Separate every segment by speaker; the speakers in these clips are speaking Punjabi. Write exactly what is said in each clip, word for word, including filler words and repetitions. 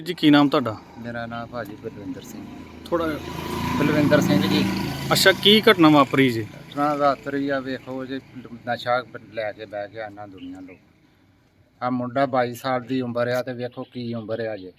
Speaker 1: ਜੀ ਕੀ ਨਾਮ ਤੁਹਾਡਾ?
Speaker 2: मेरा नाम भाजी बलविंदर सिंह
Speaker 1: ਥੋੜਾ
Speaker 2: बलविंदर सिंह जी।
Speaker 1: ਅੱਛਾ, ਕੀ ਘਟਨਾ ਵਾਪਰੀ ਜੀ?
Speaker 2: घटना रात रही आ वेखो जी नशा लैके बह गया ना दुनिया लोग। आ मुंडा बाईस साल की उम्र आ ते वेखो की उम्र आ जे।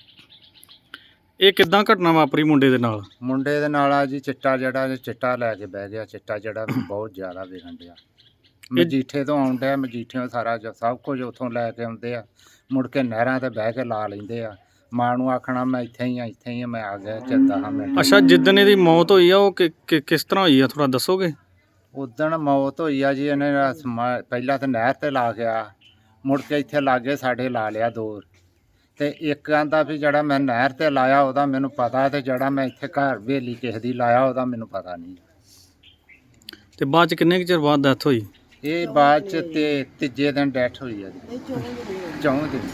Speaker 1: ਇਹ ਕਿੱਦਾਂ ਘਟਨਾ ਵਾਪਰੀ ਮੁੰਡੇ ਦੇ ਨਾਲ?
Speaker 2: मुंडे दे नाल आ जी चिट्टा जड़ा चिट्टा लैके बह गया। चिट्टा जड़ा बहुत ज़्यादा विकन दिया। मजीठे तो आउण डिया, मजीठियों सारा जो सब कुछ उत्थों लैके आउंदे आ, मुड़ के नहरां ते बह के ला लैंदे आ। मां नूं आखना मैं इत्थे ही आ इत्थे ही आ, मैं आ गया चेता हाँ मिनट।
Speaker 1: ਅੱਛਾ, ਜਿੱਦਣ ਇਹਦੀ ਮੌਤ ਹੋਈ ਆ ਉਹ ਕਿ- ਕਿ- ਕਿਸ ਤਰ੍ਹਾਂ ਹੋਈ ਆ, ਥੋੜਾ ਦੱਸੋਗੇ?
Speaker 2: उदण मौत होई आ जी, इन्हें समा- पहला तो नहर ते ला गया, मुड़ के इत्थे लागे साढ़े ला लिया दो। ते एक आंदा भी जड़ा मैं नहर ते लाया ओहदा मैनूं पता, ते जड़ा मैं इत्थे घर हवेली किसे दी लाया ओहदा मैनूं पता नहीं।
Speaker 1: ਤੇ ਬਾਅਦ ਚ ਕਿੰਨੇ ਕੁ ਚਿਰ ਬਾਅਦ ਡੈਥ ਹੋਈ?
Speaker 2: ये बाद च ते तीजे दिन डैथ हुई है जी, चौं दिन।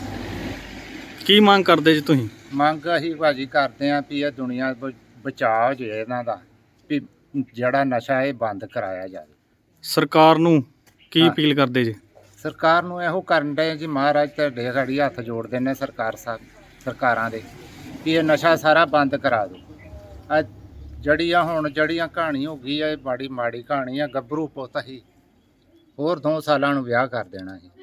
Speaker 1: ਕੀ ਮੰਗ ਕਰਦੇ ਜੀ ਤੁਸੀਂ?
Speaker 2: ਮੰਗ ਅਸੀਂ ਭਾਜੀ ਕਰਦੇ ਆਂ ਵੀ ਇਹ ਦੁਨੀਆ ਬ- ਬਚਾਅ ਹੋ ਜੇ ਇਹਨਾਂ ਦਾ, ਵੀ ਜਿਹੜਾ ਨਸ਼ਾ ਇਹ ਬੰਦ ਕਰਾਇਆ ਜਾਵੇ।
Speaker 1: ਸਰਕਾਰ ਨੂੰ ਕੀ
Speaker 2: ਹਾਂ।
Speaker 1: ਅਪੀਲ ਕਰਦੇ ਜੀ?
Speaker 2: ਸਰਕਾਰ ਨੂੰ ਇਹੋ ਕਰਨ ਦੇ ਜੀ, ਮਹਾਰਾਜ ਤੁਹਾਡੇ ਘੜੀ ਹੱਥ ਜੋੜਦੇ ਨੇ ਸਰਕਾਰ ਸਾਹਿਬ ਸਰਕਾਰਾਂ ਦੇ, ਵੀ ਇਹ ਨਸ਼ਾ ਸਾਰਾ ਬੰਦ ਕਰਾ ਦਿਓ। ਆ ਜੜੀਆਂ ਹੁਣ ਜੜੀਆਂ ਕਹਾਣੀ ਹੋ ਗਈ ਆ, ਇਹ ਬੜੀ ਮਾੜੀ ਕਹਾਣੀ ਆ। ਗੱਭਰੂ ਪੁੱਤ ਹੀ ਹੋਰ ਦੋ ਸਾਲਾਂ ਨੂੰ ਵਿਆਹ ਕਰ ਦੇਣਾ ਸੀ।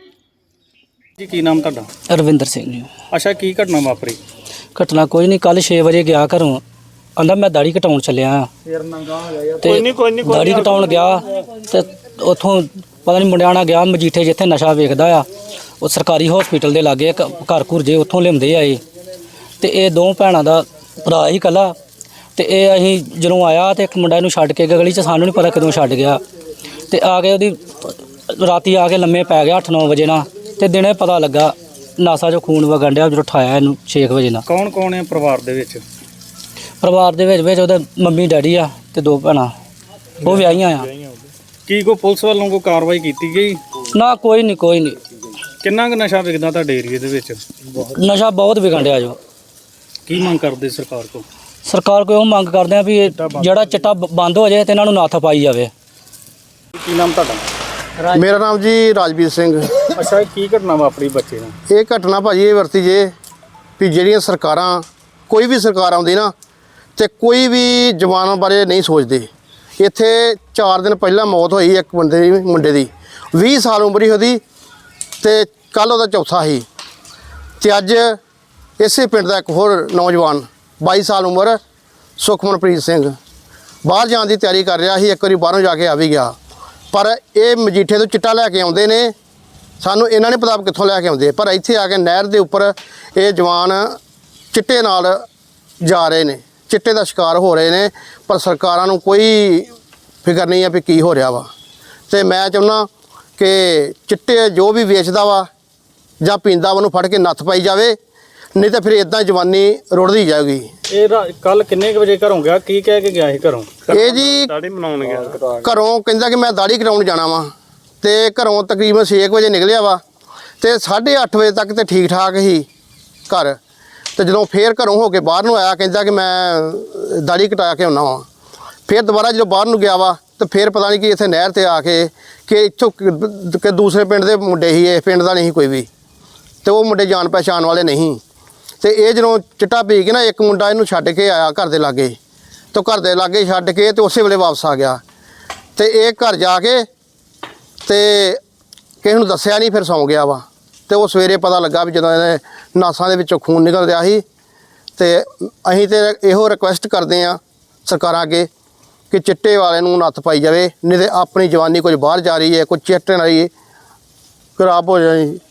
Speaker 1: ਜੀ ਕੀ ਨਾਮ ਤੁਹਾਡਾ?
Speaker 3: ਰਵਿੰਦਰ ਸਿੰਘ ਜੀ।
Speaker 1: ਅੱਛਾ, ਕੀ ਘਟਨਾ ਵਾਪਰੀ?
Speaker 3: ਘਟਨਾ ਕੋਈ ਨਹੀਂ, ਕੱਲ ਛੇ ਵਜੇ ਗਿਆ ਘਰੋਂ, ਆਂਦਾ ਮੈਂ ਦਾੜੀ ਕਟਾਉਣ ਚੱਲਿਆ ਆ ਤੇ ਦਾੜੀ ਕਟਾਉਣ ਗਿਆ ਤੇ ਉੱਥੋਂ ਪਤਾ ਨਹੀਂ ਮੁੰਡਿਆਂ ਨਾਲ ਗਿਆ ਮਜੀਠੇ, ਜਿੱਥੇ ਨਸ਼ਾ ਵੇਚਦਾ ਆ ਉਹ ਸਰਕਾਰੀ ਹਸਪੀਟਲ ਦੇ ਲਾਗੇ ਇੱਕ ਘਰ ਘੁਰ ਜੇ ਉੱਥੋਂ ਲਿਆਉਂਦੇ ਆ ਇਹ। ਤੇ ਇਹ ਦੋ ਭੈਣਾਂ ਦਾ ਭਰਾ ਹੀ ਇਕੱਲਾ, ਤੇ ਇਹ ਅਸੀਂ ਜਦੋਂ ਆਇਆ ਤੇ ਇੱਕ ਮੁੰਡਾ ਇਹਨੂੰ ਛੱਡ ਕੇ ਗਿਆ ਗਲੀ 'ਚ, ਸਾਨੂੰ ਨਹੀਂ ਪਤਾ ਕਦੋਂ ਛੱਡ ਗਿਆ। ਤੇ ਆ ਕੇ ਉਹਦੀ ਰਾਤੀ ਆ ਕੇ ਲੰਮੇ ਪੈ ਗਿਆ ਅੱਠ ਨੌ ਵਜੇ ਨਾਲ, ਤੇ ਦਿਨੇ ਪਤਾ ਲੱਗਾ ਨਾਸਾ 'ਚੋਂ ਖੂਨ ਵਗਣ ਡਿਆ ਜਦੋਂ ਉਠਾਇਆ ਇਹਨੂੰ ਛੇ ਕੁ ਵਜੇ ਨਾਲ।
Speaker 1: ਕੌਣ ਕੌਣ ਹੈ ਪਰਿਵਾਰ ਦੇ ਵਿੱਚ?
Speaker 3: ਪਰਿਵਾਰ ਦੇ ਵਿੱਚ ਵਿੱਚ ਉਹਦੇ ਮੰਮੀ ਡੈਡੀ ਆ ਤੇ ਦੋ ਭੈਣਾਂ, ਉਹ ਵਿਆਹੀਆਂ ਆ।
Speaker 1: ਕੀ ਕੋਈ ਪੁਲਿਸ ਵੱਲੋਂ ਕੋਈ ਕਾਰਵਾਈ ਕੀਤੀ ਗਈ?
Speaker 3: ਨਾ ਕੋਈ ਨਹੀਂ ਕੋਈ ਨਹੀਂ।
Speaker 1: ਕਿੰਨਾ ਕੁ ਨਸ਼ਾ ਵਿਕਦਾ ਤੁਹਾਡੇ ਏਰੀਏ ਦੇ ਵਿੱਚ?
Speaker 3: ਨਸ਼ਾ ਬਹੁਤ ਵਿਕਣ ਡਿਆ ਜੋ।
Speaker 1: ਕੀ ਮੰਗ ਕਰਦੇ ਸਰਕਾਰ ਕੋਲ?
Speaker 3: ਸਰਕਾਰ ਕੋਲ ਉਹ ਮੰਗ ਕਰਦੇ ਆ ਵੀ ਇਹ ਜਿਹੜਾ ਚਿੱਟਾ ਬ- ਬੰਦ ਹੋ ਜਾਏ ਤੇ ਇਹਨਾਂ ਨੂੰ ਨੱਥ ਪਾਈ ਜਾਵੇ।
Speaker 1: ਕੀ ਨਾਮ ਤੁਹਾਡਾ?
Speaker 4: ਮੇਰਾ ਨਾਮ ਜੀ ਰਾਜਵੀਰ ਸਿੰਘ।
Speaker 1: ਅੱਛਾ, ਇਹ ਕੀ ਘਟਨਾ ਵਾਪਰੀ ਬੱਚੇ ਨਾਲ?
Speaker 4: ਇਹ ਘਟਨਾ ਭਾਜੀ ਇਹ ਵਰਤੀ ਜੇ ਵੀ ਜਿਹੜੀਆਂ ਸਰਕਾਰਾਂ, ਕੋਈ ਵੀ ਸਰਕਾਰ ਆਉਂਦੀ ਨਾ ਤੇ ਕੋਈ ਵੀ ਜਵਾਨਾਂ ਬਾਰੇ ਨਹੀਂ ਸੋਚਦੇ। ਇੱਥੇ ਚਾਰ ਦਿਨ ਪਹਿਲਾਂ ਮੌਤ ਹੋਈ ਇੱਕ ਬੰਦੇ ਦੀ, ਮੁੰਡੇ ਦੀ ਵੀਹ ਸਾਲ ਉਮਰ ਸੀ ਉਹਦੀ, ਤੇ ਕੱਲ ਉਹਦਾ ਚੌਥਾ ਸੀ। ਤੇ ਅੱਜ ਇਸੇ ਪਿੰਡ ਦਾ ਇੱਕ ਹੋਰ ਨੌਜਵਾਨ ਬਾਈ ਸਾਲ ਉਮਰ ਸੁਖਮਨਪ੍ਰੀਤ ਸਿੰਘ ਬਾਹਰ ਜਾਣ ਦੀ ਤਿਆਰੀ ਕਰ ਰਿਹਾ ਸੀ। ਇੱਕ ਵਾਰੀ ਬਾਹਰੋਂ ਜਾ ਕੇ ਆ ਵੀ ਗਿਆ, ਪਰ ਇਹ ਮਜੀਠੇ ਤੋਂ ਚਿੱਟਾ ਲੈ ਕੇ ਆਉਂਦੇ ਨੇ। ਸਾਨੂੰ ਇਹਨਾਂ ਨੇ ਪਤਾ ਕਿੱਥੋਂ ਲੈ ਕੇ ਆਉਂਦੇ, ਪਰ ਇੱਥੇ ਆ ਕੇ ਨਹਿਰ ਦੇ ਉੱਪਰ ਇਹ ਜਵਾਨ ਚਿੱਟੇ ਨਾਲ ਜਾ ਰਹੇ ਨੇ, ਚਿੱਟੇ ਦਾ ਸ਼ਿਕਾਰ ਹੋ ਰਹੇ ਨੇ, ਪਰ ਸਰਕਾਰਾਂ ਨੂੰ ਕੋਈ ਫਿਕਰ ਨਹੀਂ ਹੈ ਵੀ ਕੀ ਹੋ ਰਿਹਾ ਵਾ। ਤੇ ਮੈਂ ਚਾਹੁੰਦਾ ਕਿ ਚਿੱਟੇ ਜੋ ਵੀ ਵੇਚਦਾ ਵਾ ਜਾਂ ਪੀਂਦਾ ਵਾ ਉਹਨੂੰ ਫੜ ਕੇ ਨੱਥ ਪਾਈ ਜਾਵੇ, ਨਹੀਂ ਤਾਂ ਫਿਰ ਇਦਾਂ ਜਵਾਨੀ ਰੁੜਦੀ ਜਾਊਗੀ।
Speaker 1: ਇਹ ਕੱਲ ਕਿੰਨੇ ਕੁ ਵਜੇ ਘਰੋਂ ਗਿਆ? ਕੀ ਕਹਿ ਕੇ ਗਿਆ ਸੀ ਘਰੋਂ?
Speaker 4: ਇਹ ਜੀ
Speaker 1: ਦਾੜੀ ਮਨਾਉਣ ਗਿਆ।
Speaker 4: ਘਰੋਂ ਕਹਿੰਦਾ ਕਿ ਮੈਂ ਦਾੜੀ ਕਰਾਉਣ ਜਾਣਾ ਵਾ, ਤੇ ਘਰੋਂ ਤਕਰੀਬਨ ਛੇ ਕੁ ਵਜੇ ਨਿਕਲਿਆ ਵਾ, ਤੇ ਸਾਢੇ ਅੱਠ ਵਜੇ ਤੱਕ ਤੇ ਠੀਕ ਠਾਕ ਹੀ ਘਰ। ਤੇ ਜਦੋਂ ਫੇਰ ਘਰੋਂ ਹੋ ਕੇ ਬਾਹਰ ਨੂੰ ਆਇਆ, ਕਹਿੰਦਾ ਕਿ ਮੈਂ ਦਾੜੀ ਕਟਾ ਕੇ ਆਉਣਾ ਵਾ। ਫਿਰ ਦੁਬਾਰਾ ਜਦੋਂ ਬਾਹਰ ਨੂੰ ਗਿਆ ਵਾ ਤੇ ਫਿਰ ਪਤਾ ਨਹੀਂ ਕਿ ਇੱਥੇ ਨਹਿਰ ਤੇ ਆ ਕੇ ਕਿ ਇੱਥੋਂ ਕਿ ਦੂਸਰੇ ਪਿੰਡ ਦੇ ਮੁੰਡੇ ਸੀ, ਇਸ ਪਿੰਡ ਦਾ ਨਹੀਂ ਕੋਈ ਵੀ, ਤੇ ਉਹ ਮੁੰਡੇ ਜਾਣ ਪਹਿਚਾਣ ਵਾਲੇ ਨਹੀਂ। ਤੇ ਇਹ ਜਦੋਂ ਚਿੱਟਾ ਪੀ ਕੇ ਨਾ ਇੱਕ ਮੁੰਡਾ ਇਹਨੂੰ ਛੱਡ ਕੇ ਆਇਆ ਘਰ ਦੇ ਲਾਗੇ, ਤੇ ਘਰ ਦੇ ਲਾਗੇ ਛੱਡ ਕੇ ਤੇ ਉਸੇ ਵੇਲੇ ਵਾਪਸ ਆ ਗਿਆ। ਤੇ ਇਹ ਘਰ ਜਾ ਕੇ ਤੇ ਕਿਸੇ ਨੂੰ ਦੱਸਿਆ ਨਹੀਂ, ਫਿਰ ਸੌਂ ਗਿਆ ਵਾ। ਤੇ ਉਹ ਸਵੇਰੇ ਪਤਾ ਲੱਗਾ ਵੀ ਜਦੋਂ ਇਹਦੇ ਨਾਸਾਂ ਦੇ ਵਿੱਚੋਂ ਖੂਨ ਨਿਕਲ ਰਿਹਾ ਸੀ। ਤੇ ਅਸੀਂ ਤੇ ਇਹੋ ਰਿਕੁਐਸਟ ਕਰਦੇ ਹਾਂ ਸਰਕਾਰਾਂ ਅੱਗੇ ਕਿ ਚਿੱਟੇ ਵਾਲੇ ਨੂੰ ਨੱਥ ਪਾਈ ਜਾਵੇ, ਨਹੀਂ ਤੇ ਆਪਣੀ ਜਵਾਨੀ ਕੁਝ ਬਾਹਰ ਜਾ ਰਹੀ ਹੈ, ਕੁਝ ਚਿੱਟੇ ਨਾਲ ਹੀ ਖਰਾਬ ਹੋ ਜਾਣੀ।